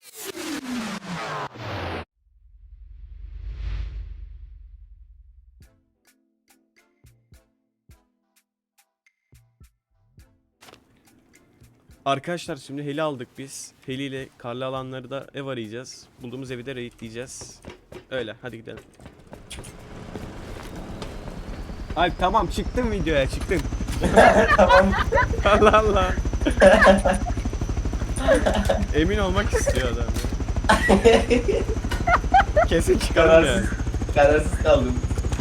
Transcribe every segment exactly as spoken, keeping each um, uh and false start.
Arkadaşlar şimdi heli aldık biz. Heli ile karlı alanları da ev arayacağız. Bulduğumuz evi de raidleyeceğiz. Öyle hadi gidelim. Alp tamam çıktın videoya çıktın. Tamam. Allah Allah. Emin olmak istiyor adam ya. Kesin çıkarım ya. Kararsız, kararsız kaldım.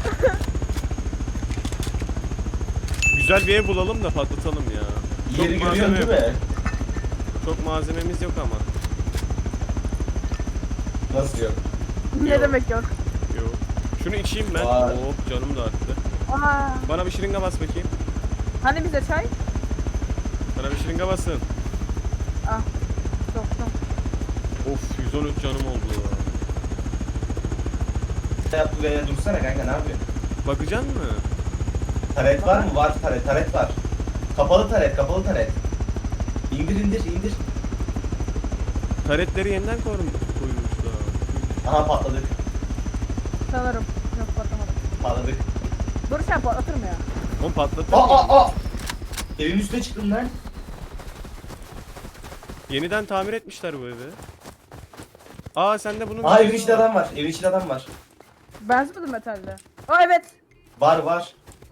Güzel bir ev bulalım da patlatalım ya. Çok Yeri malzeme görüyorsun değil yok. mi? Çok malzememiz yok ama. Nasıl yok? Ne Yok. demek yok? Yok. Şunu içeyim ben. Var. Hop canım da arttı. Aa, Bana bir şırınga bas bakayım. hani bize çay? Bana bir şırınga basın. Ah, soktum. Of yüz on üç canım oldu. Yaptı ve dursana kanka, ne yapıyorsun? Bakacaksın mı? Taret var mı? Var taret, taret var. Kapalı taret, kapalı taret. İndir indir indir. Taretleri yeniden koymuş koymuşlar. Aha patladık. Sanırım. Yok patlamadım. Patladık. Dur sen patlatır mı ya? Oğlum patlattın Aa mı? aa aa. Evin üstüne çıktım lan. Yeniden tamir etmişler bu evi. Aa sende bunun... Aa evin içinde adam var. Evin içinde adam var. Benzemedi metalde. Aa evet. Var var.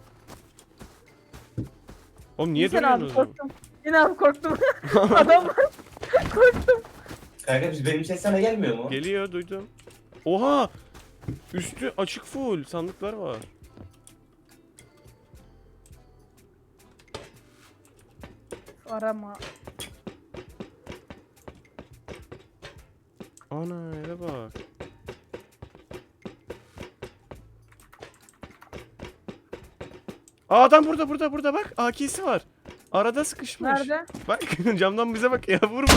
Oğlum niye Sen abi duruyorsunuz? o zaman? korktum. Yine abi korktum. Adam var. Korktum. Kanka biz benim ses sana gelmiyor mu? Geliyor duydum. Oha! Üstü açık full sandıklar var. Arama. Ana eve bak. Aa adam burada burada burada bak. A K'si var. Arada sıkışmış. Nerede? Bak camdan bize bak ya vur vur.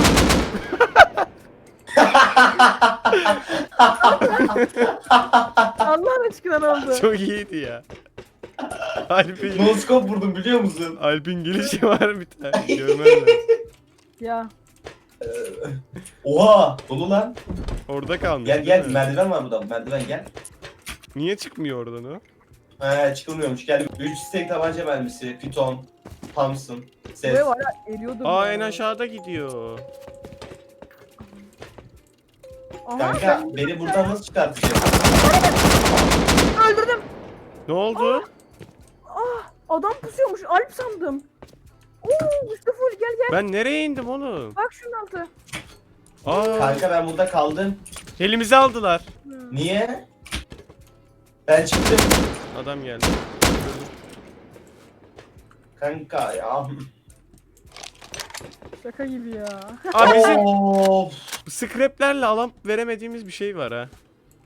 Allah aşkına ne oldu? Çok iyiydi ya. Alp'in No scope vurdum biliyor musun? Alp'in gelişi var bir tane. Görmen lazım. Ya. Oha dolu lan. Orada kalmış. Gel değil gel, mi? merdiven var burada, merdiven gel. Niye çıkmıyor oradan o? He çıkılmıyormuş, gel. üç stek tabanca mermisi, piton, Thompson, ses. Buraya var ya eriyordum. Aa ya. en aşağıda gidiyor. Aha, Kanka ben- beni buradan nasıl çıkartacaksın? Öldürdüm. Ne oldu? Ah, adam pusuyormuş. Alp sandım. Oo, üstü full gel gel. Ben nereye indim oğlum? Bak şunun altı. Aa Kanka ben burada kaldım. elimizi aldılar. Hmm. Niye? Ben çıktım. Adam geldi. Kanka ya. Şaka gibi ya. Aa bizim Of. scraplerle alan veremediğimiz bir şey var ha.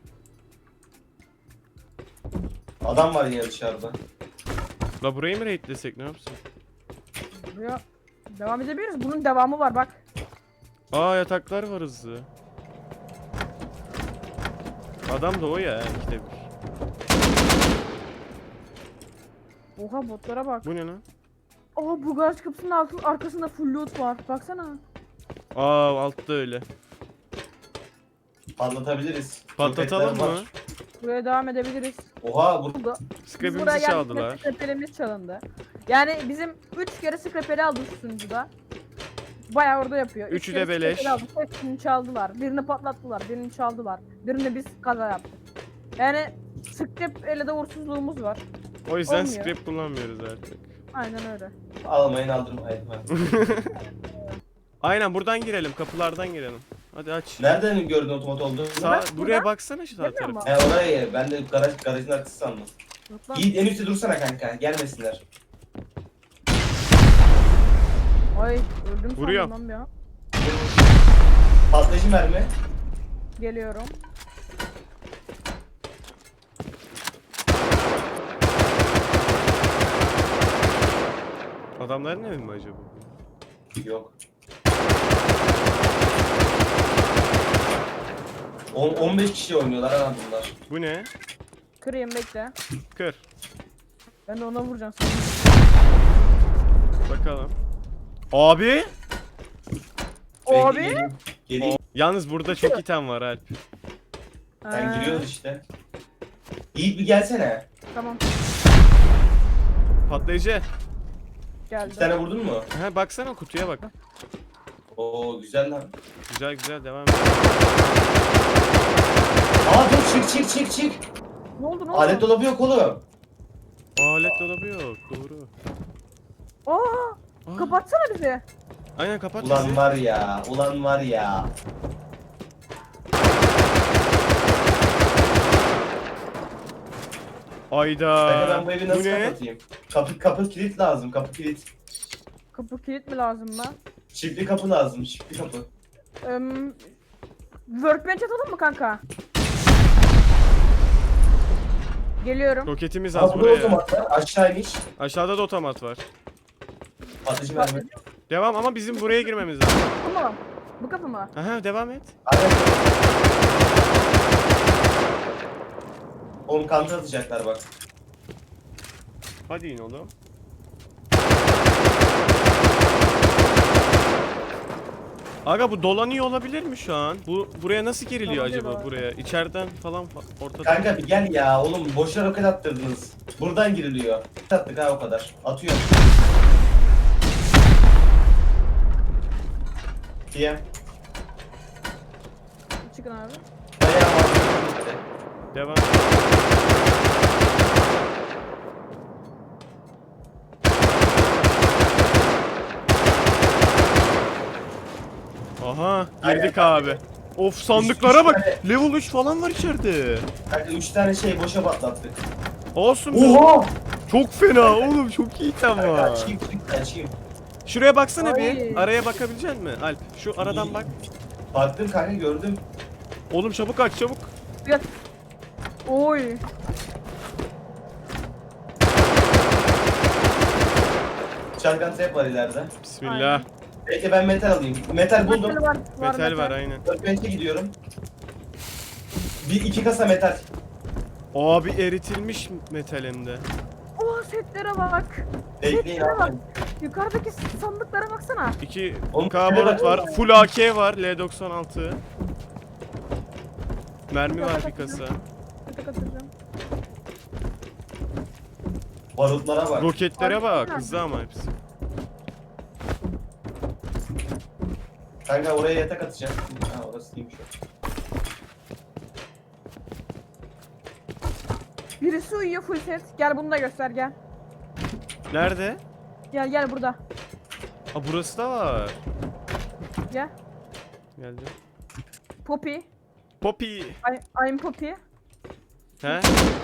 Adam var yine dışarıda. La burayı mı raidlesek ne yapsın? Buraya devam edebiliriz. Bunun devamı var bak. Aa yataklar var hızlı. Adam da o ya işte bir. Oha botlara bak. Bu ne lan? Aa bu garaj kapısının altı, arkasında full loot var. Baksana. Aa altta öyle. Patlatabiliriz. Patlatalım Roketler mı? var. Buraya devam edebiliriz. Oha bu. Oldu. Biz buraya Scrap'imizi geldik. çaldılar. Scraper'imiz çalındı. Yani bizim üç kere scraper'i aldık şu sunucuda. Bayağı orada yapıyor. Üç Üçü kere de beleş. scraper'i aldık. Hepsini çaldılar. Birini patlattılar. Birini çaldılar. Birini biz kaza yaptık. Yani scrap ele de uğursuzluğumuz var. O yüzden Olmuyor. scrap kullanmıyoruz artık. Aynen öyle. Almayın aldırmayın. Aynen buradan girelim kapılardan girelim. Hadi aç. Nereden gördün otomat olduğunu? Sağ, Bak buraya buradan. baksana şu sağ Görmüyor tarafa. musun? He oraya, ben de garaj, garajın arkası sandım. Yok lan. Yiğit en üstte dursana kanka, gelmesinler. Ay öldüm Vuruyor. sandım lan ya. Patlayıcı mermi. Geliyorum. Adamların evi mi acaba? Yok. on on beş kişi oynuyorlar ha bunlar. Bu ne? Kırayım bekle. Kır. Ben de ona vuracağım sana. Bakalım. Abi? Ben Abi? geleyim, geleyim. Yalnız burada çok item var Alp. Sen Ha, giriyoruz işte. Yiğit bir gelsene. Tamam Patlayıcı. geldim. İki tane vurdun mu? Ha baksana kutuya bak. Oo güzel lan. Güzel güzel devam et. Aa dur çık çık çık çık. Ne oldu ne oldu? Alet dolabı yok oğlum. Alet dolabı yok. Doğru. Aa, Aa, kapatsana bizi. Aynen kapat Ulan bizi. var ya. Ulan var ya. Ayda. Kanka ben bu evi Bu nasıl ne? kapatayım? Kapı kapı kilit lazım. Kapı kilit. Kapı kilit mi lazım lan? Çiftli kapı lazım. Çiftli kapı. Eee workbench atalım mı kanka? Geliyorum. Roketimiz Aa az burada buraya. otomat var. Aşağı iniş. Aşağıda da otomat var. Atıcı mermi. Devam ama bizim buraya girmemiz lazım. Bu mu? Bu kapı mı? Aha devam et. Aynen. Oğlum kanta atacaklar bak. Hadi in oğlum. Aga bu dolanıyor olabilir mi şu an? Bu buraya nasıl giriliyor Dolanıyor acaba da. buraya? İçeriden falan fa- ortada. Kanka bir gel ya oğlum boşuna roket attırdınız. Buradan giriliyor. Attık ha o kadar. Atıyor. Diye. Çıkın abi. Bayağı mantıklı. Devam. Aha girdik Aynen. abi. Of sandıklara bak. üç Level üç falan var içeride. Kanka üç tane şey boşa patlattık. Olsun be. Oha! Çok fena oğlum çok iyi item Kanka var. açayım çık açayım. Şuraya baksana bir. Ay. Araya bakabilecek misin Alp? Şu aradan bak. Baktım kanka gördüm. Oğlum çabuk aç çabuk. Gel. Oy. Shotgun trap var ileride. Bismillah. Aynen. Peki ben metal alayım. Metal buldum. Metal var. Metal var aynen. Workbench'e gidiyorum. Bir iki kasa metal. Abi eritilmiş metal hem de. Oha setlere bak. Bekleyin Setlere bak. abi. Yukarıdaki sandıklara baksana. iki Oğlum, K şöyle barut bak. var. Full A K var. L doksan altı. Mermi var bir kasa. Tık atacağım. Barutlara bak. Roketlere bak. Harbiden. Hızlı ama hepsi. Kanka oraya yatak atacağım. Ha orası değilmiş o. Birisi uyuyor full set. Gel bunu da göster gel. Nerede? Gel gel burada. Aa burası da var. Gel. Geldi. Poppy. Poppy. I, I'm Poppy. He?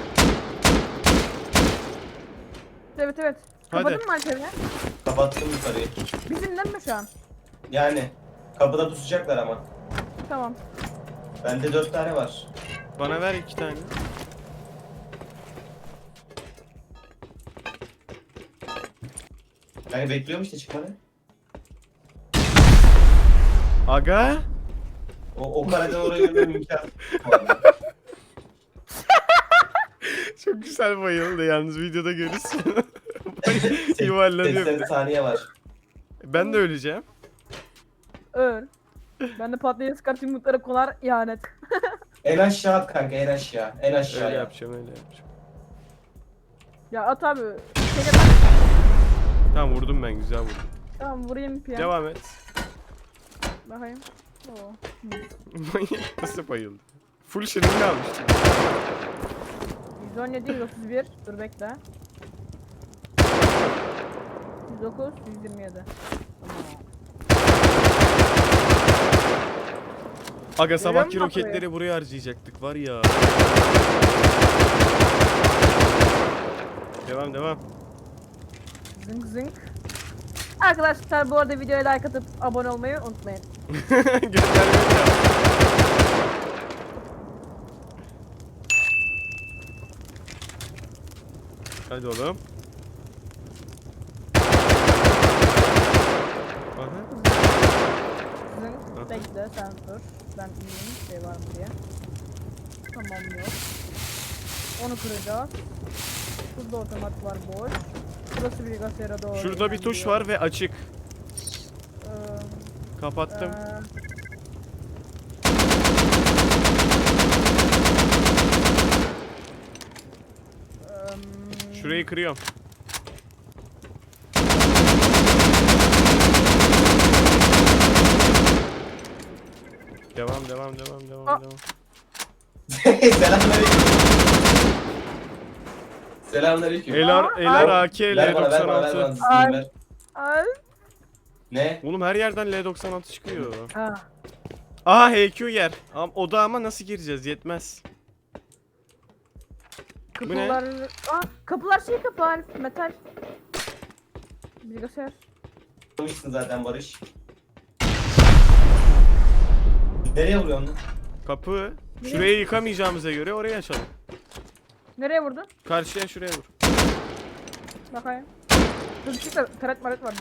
Evet evet. Hadi. Kapadın mı Alper'i? Kapattım yukarıyı. Bizimden mi şu an? Yani kapıda pusacaklar ama. Tamam. Bende dört tane var. Bana ver iki tane. Yani bekliyorum işte çıkmanı. Aga. O, o kareden oraya yürümem imkan. Çok güzel bayıldı yalnız videoda görürsün. Yuvarlanıyor bir seksen de. saniye var. Ben de öleceğim. Öl. Ben de patlayıcı sıkart yumruklara konar ihanet. En aşağı at kanka en aşağı. En aşağı. Öyle yap. yapacağım öyle yapacağım. Ya at abi. Şey yap- Tamam vurdum ben güzel vurdum. Tamam vurayım piyan. Devam et. Bakayım. Oo. Manyak nasıl bayıldı? Full şırınga almıştım. yüz on yedi, yüz otuz bir. Dur bekle. yüz dokuz, yüz yirmi yedi. Tamam. Aga sabahki musun roketleri buraya harcayacaktık var ya. Devam devam. Zınk zınk. Arkadaşlar bu arada videoya like atıp abone olmayı unutmayın. Göndermeyi yap. Hadi oğlum. Aha. Zınk. Aha. Bekle sen dur. Ben iyiyim. Şey var mı diye. Tamam yok. Onu kıracağız. Şurada otomat var boş. Burası bilgisayara doğru. Şurada bir tuş ilerliyor. var ve açık. Ee, Kapattım. ee, Şurayı kırıyorum. Devam devam devam devam Aa. devam. Selamünaleyküm. Selamünaleyküm. Elar Aa, Elar ay. A K L Ver bana ver bana ver bana. doksan altı. Dizini ver. Ay. Ne? Oğlum her yerden L doksan altı çıkıyor. Ha. Aha H Q yer. Am o da ama nasıl gireceğiz? Yetmez. Bu ne? Kapılar... Aa, kapılar şey kapılar. Metal. Bilgisayar. Konuştun zaten Barış. Nereye vuruyorsun lan? Kapı. Şurayı yıkamayacağımıza göre orayı açalım. Nereye vurdun? Karşıya şuraya vur. Bakayım. Dur çık da taret maret var.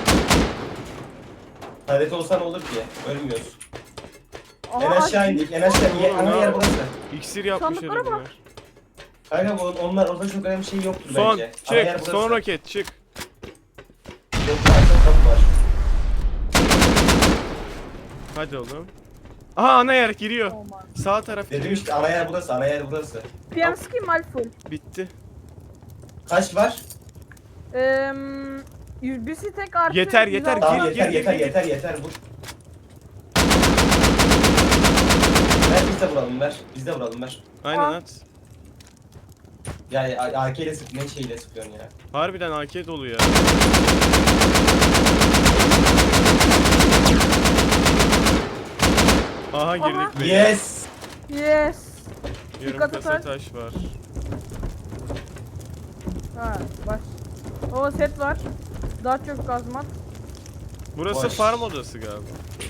Taret olsan olur ki. Ölmüyoruz. Aha, En aşağı indik. En aşağı indik. Oğlum, Ana ne yer yap- burası. İksir yapmış Sandıklara bak. herifler. Kanka bu, onlar orada çok önemli şey yoktur Son bence. Ana yer çık. burası. Son roket çık. Yok arkada kapı var. Hadi oğlum. Aha ana yer giriyor. Olmaz. Sağ taraf Dedim giriyor. işte ana yer burası. Ana yer burası. Piyanski mal full. Bitti. Kaç var? Eee... yüz bir tek artı. Yeter, yeter, yüz altı Tamam gir, yeter gir, yeter gir. yeter yeter vur. Ver biz de vuralım ver. Biz de vuralım ver. Aynen Aa. at. Yani A K ile sık ne şeyle sıkıyorsun ya. Harbiden A K dolu ya. Aha girdik be. Yes. Yes. Yarım Dikkat kasa et. taş var. Ha baş. O set var. Daha çok gazmat. Burası Boş. farm odası galiba.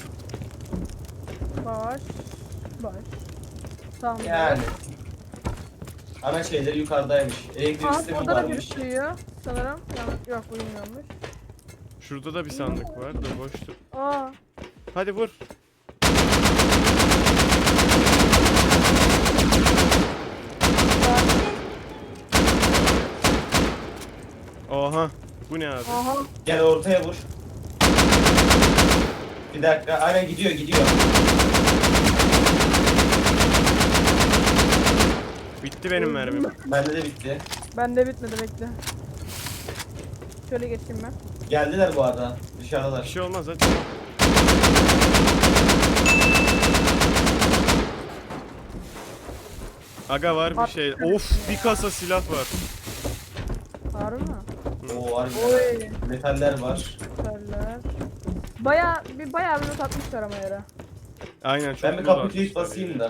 Baş. Baş. Tamam. Yani. Ana şeyleri yukarıdaymış. Elektrik Aa, sistemi orada da varmış. gözüküyor sanırım. Yani, yok uyumuyormuş. Şurada da bir sandık var da boştu. Aa. Hadi vur. Oha. Bu ne abi? Aha. Gel ortaya vur. Bir dakika. Aynen gidiyor gidiyor. Bitti benim mermim. Bende de bitti. Bende bitmedi bekle. Şöyle geçeyim ben. Geldiler bu arada. Bir Dışarıdalar. şey olmaz hadi. Aga var bir At- şey. Of bir kasa silah var. Harbi mi? Oo var Oy. metaller var. Güzeller. Baya bir bayağı bir not atmışlar ama yere. Aynen çok Ben bir loot kapı atmışlar kilit basayım ya. da.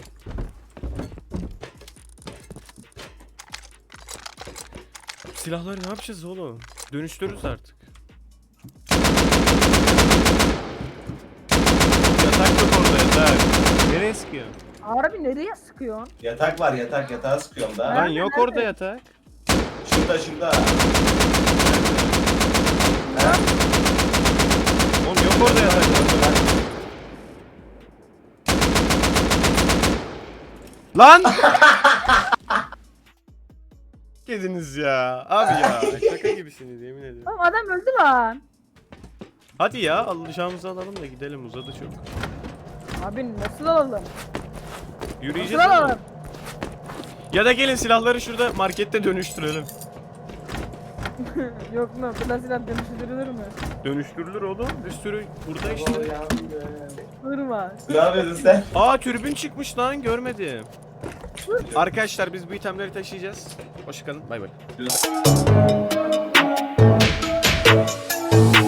Silahları ne yapacağız oğlum? Dönüştürürüz artık. Yatak yok orada yatak. Nereye sıkıyor? Harbi nereye sıkıyorsun? Yatak var yatak yatağa sıkıyorum da. Ha? Lan Nerede, yok nerede? orada yatak. Şurada şurada. Oğlum yok orada yatak. Lan! Gediniz ya. Abi ya. Şaka gibisiniz yemin ediyorum. Oğlum adam öldü lan. Hadi ya alacağımızı alalım da gidelim uzadı çok. Abi nasıl alalım? Yürüyeceğiz Nasıl oğlum. alalım? Ya da gelin silahları şurada markette dönüştürelim. Yok mu? Bunlar silah dönüştürülür mü? Dönüştürülür oğlum. Bir sürü burada işte. Durma. Ne yapıyorsun sen? Aa türbün çıkmış lan görmedim. Arkadaşlar biz bu itemleri taşıyacağız. Hoşçakalın bay bay.